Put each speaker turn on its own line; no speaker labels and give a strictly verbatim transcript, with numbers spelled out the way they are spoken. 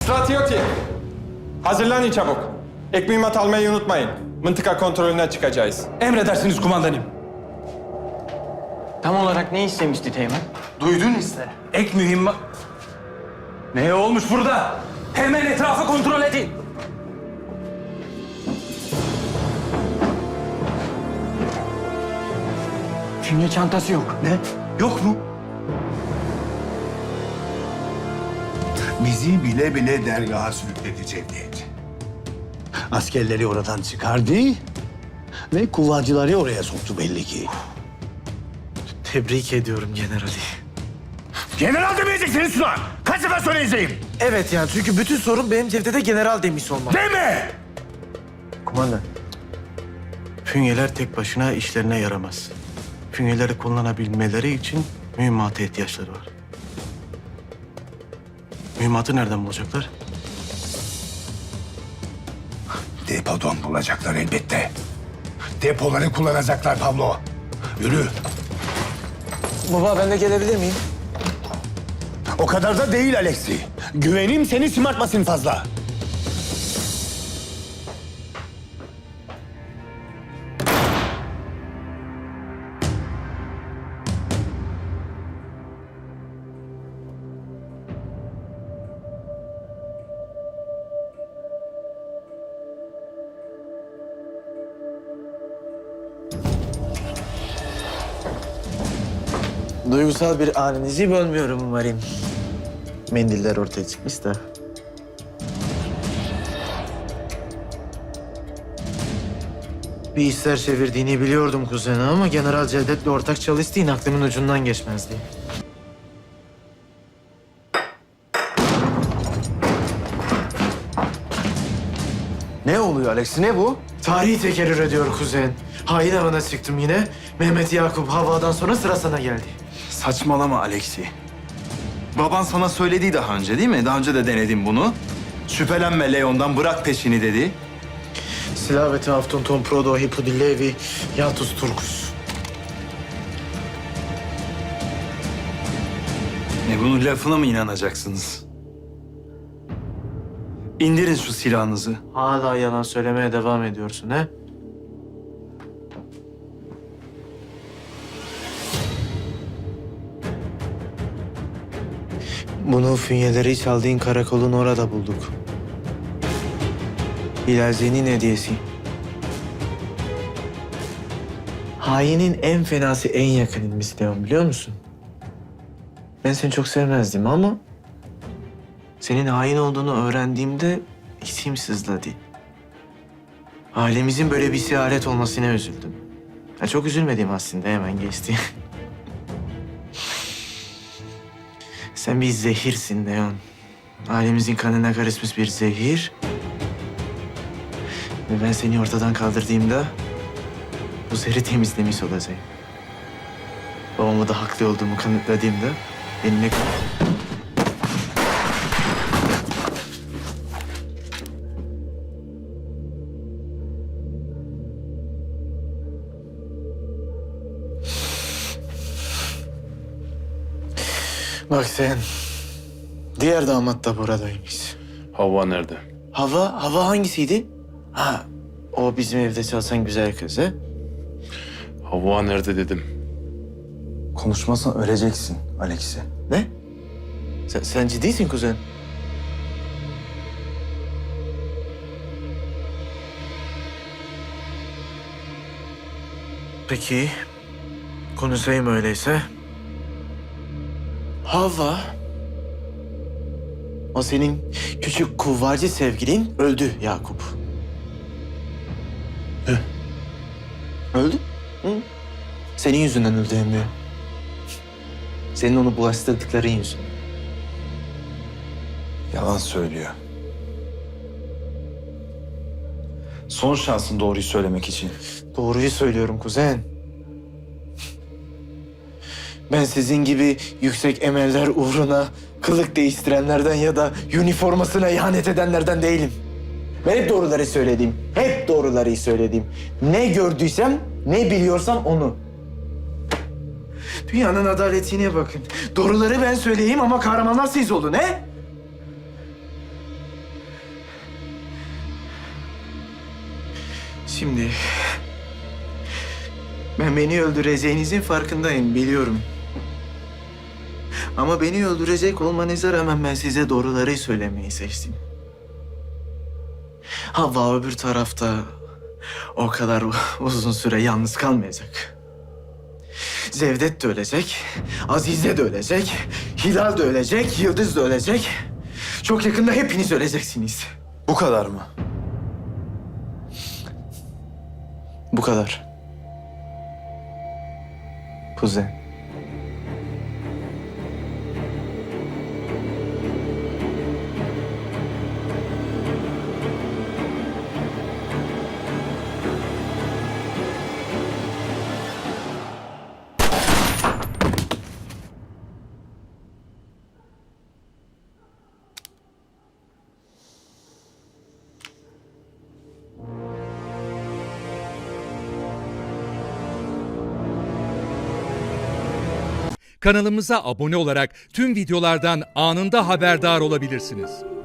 Stratioti, hazırlanın çabuk. Ek mühimmat almayı unutmayın. Mıntıka kontrolüne çıkacağız.
Emredersiniz kumandanım.
Tam olarak ne istemişti Teğmen?
Duydun işte. Ek mühimmat... Ne olmuş burada? Hemen etrafı kontrol edin.
Fünye çantası yok.
Ne? Yok mu?
Bizi bile bile dergaha sürükledi Cevdet. Askerleri oradan çıkardı ve kuvvacıları oraya soktu belli ki.
Tebrik ediyorum generali.
General demeyeceksiniz şuna! Kaç sefer söyleyeceğim?
Evet yani çünkü bütün sorun benim Cevdet'e general demiş olmam.
Deme!
Kumandan. Fünyeler tek başına işlerine yaramaz. Fünyeleri kullanabilmeleri için mühimmata ihtiyaçları var. Mühimmatı nereden bulacaklar?
Depodan bulacaklar elbette. Depoları kullanacaklar Pablo. Yürü.
Baba ben de gelebilir miyim?
O kadar da değil Alexi. Güvenim seni şımartmasın fazla.
Duygusal bir aninizi bölmüyorum umarım. Mendiller ortaya çıkmış da. Bir işler çevirdiğini biliyordum kuzeni ama General Cevdet'le ortak çalıştığın aklımın ucundan geçmezdi.
Ne oluyor Alex? Ne bu?
Tarihi tekerrür ediyor kuzen. Hain avına çıktım yine. Mehmet Yakup Havva'dan sonra sıra sana geldi.
Saçmalama Alexi. Baban sana söyledi daha önce değil mi? Daha önce de denedim bunu. Şüphelenme Leon'dan, bırak peşini dedi.
Silaveti Aftun Tom Prodo Hipudillevi Yatus Turkus.
Ne bunun lafına mı inanacaksınız? İndirin şu silahınızı.
Hala yalan söylemeye devam ediyorsun he? Bunu fünyeleri çaldığın karakolun orada bulduk. Hilal Zen'in hediyesi. Hainin en fenası en yakınımız Leon biliyor musun? Ben seni çok sevmezdim ama... senin hain olduğunu öğrendiğimde içim sızladı. Ailemizin böyle bir siyaret olmasına üzüldüm. Ya çok üzülmedim aslında, hemen geçti. Sen bir zehirsin Leon. Ailemizin kanına karışmış bir zehir. Ve ben seni ortadan kaldırdığımda bu zehri temizlemiş olacağım. Babamı da haklı olduğumu kanıtladığımda benimle... Bak sen, diğer damat da buradaymış.
Havva nerede?
Hava, hava hangisiydi? Ha, o bizim evde çalışan güzel kız ha?
Havva nerede dedim.
Konuşmazsan öleceksin Alexi.
Ne? Sen, sen ciddisin kuzen. Peki, konuşayım öyleyse. Hava, o senin küçük kuvvacı sevgilin öldü Yakup.
Ne?
Öldü? Hı. Senin yüzünden öldü emmi. Senin onu bulaştırdıkların yüzünden.
Yalan söylüyor. Son şansın doğruyu söylemek için.
Doğruyu söylüyorum kuzen. Ben sizin gibi yüksek emeller uğruna kılık değiştirenlerden ya da üniformasına ihanet edenlerden değilim. Ben hep doğruları söyledim. Hep doğruları söyledim. Ne gördüysem, ne biliyorsam onu. Dünyanın adaletine bakın. Doğruları ben söyleyeyim ama kahramanlar siz olun he? Şimdi... Ben beni öldüreceğinizin farkındayım, biliyorum. Ama beni öldürecek olmanıza rağmen ben size doğruları söylemeyi seçtim. Havva öbür tarafta o kadar uzun süre yalnız kalmayacak. Cevdet de ölecek, Azize de ölecek, Hilal de ölecek, Yıldız da ölecek. Çok yakında hepiniz öleceksiniz.
Bu kadar mı?
Bu kadar. Kuzen.
Kanalımıza abone olarak tüm videolardan anında haberdar olabilirsiniz.